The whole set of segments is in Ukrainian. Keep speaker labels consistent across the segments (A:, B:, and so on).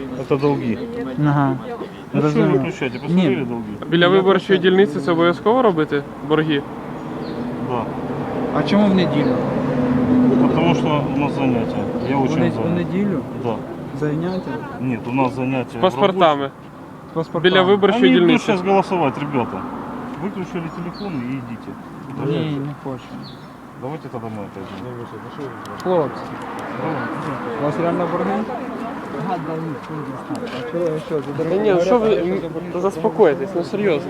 A: Это долги.
B: Ага.
A: Ну что вы
B: Розумію.
A: выключаете? Посмотрели долги?
C: Біля виборчої дільниці це обов'язково робити борги?
A: Да.
B: А чому в неділю?
A: Потому что у нас занятия. Я очень
B: В
A: занят.
B: неділю?
A: Да.
B: Заняття?
A: Нет, у нас занятия.
C: З паспортами.
B: З паспортами?
C: Біля виборчої
A: Они идут
C: дільниці.
A: сейчас голосовать, ребята. Выключили телефоны и идите.
B: Ні, не хочу.
A: Давайте тогда мы отойдем.
B: Хлопці, у вас реально борги? А чого, що, за
C: Та ні, що ви заспокойтесь, ну серйозно.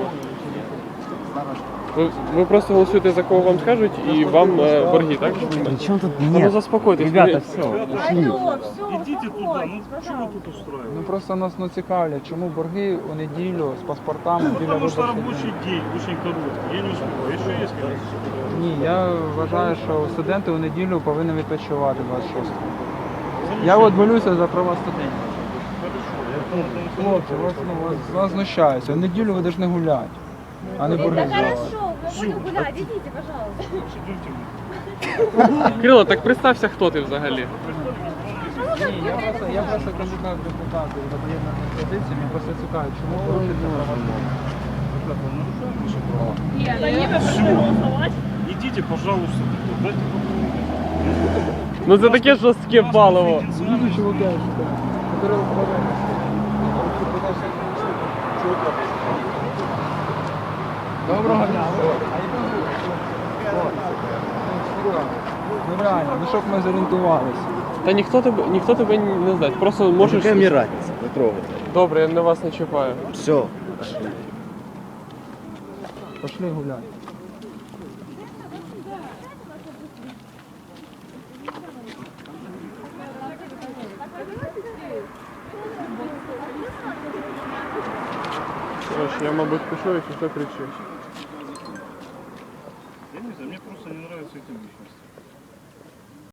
C: Ви просто голосуєте за кого вам скажуть і вам борги, так?
D: Причем тут
C: Ну
D: нет?
C: заспокойтесь.
D: Ребята, все, ушли.
A: Идите туда, ну что вы тут устраиваете?
B: Ну просто нас цікавлять, чому борги у неділю з паспортами біля
A: Потому что
B: виборчих
A: рабочий
B: дільниць?
A: день очень короткий. Я не успеваю. Еще есть какие-то?
B: Ні, я вважаю, що студенти у неділю повинні відпочивати 26-го. Я от болюся за права студентів. Хлопці, вас знущаються. В неділю ви повинні гуляти, а не борги
E: Да
B: здавати.
E: хорошо, мы будем гулять, идите, пожалуйста.
C: Кирило, так представся, хто ти взагалі.
B: Ні, я просто кандидат в депутати за поєднаними позиціями, просто цікавить, чому порушується права?
A: Идите, пожалуйста. Дайте
C: Ну це таке жорстке паливо.
B: Ні, чуваки, Кирило, Доброго дня. Ну реально, ну щоб ми зорієнтувалися.
C: Та ніхто тебе не знає. Просто можеш.
D: Какая мне разница? Не трогайте.
C: Добре, я на вас не чіпаю.
D: Все.
B: Пошли гуляти.
C: Короче, я, мабуть, пишу, якщо що кричу.
A: Я не знаю, мне просто не нравятся эти личности.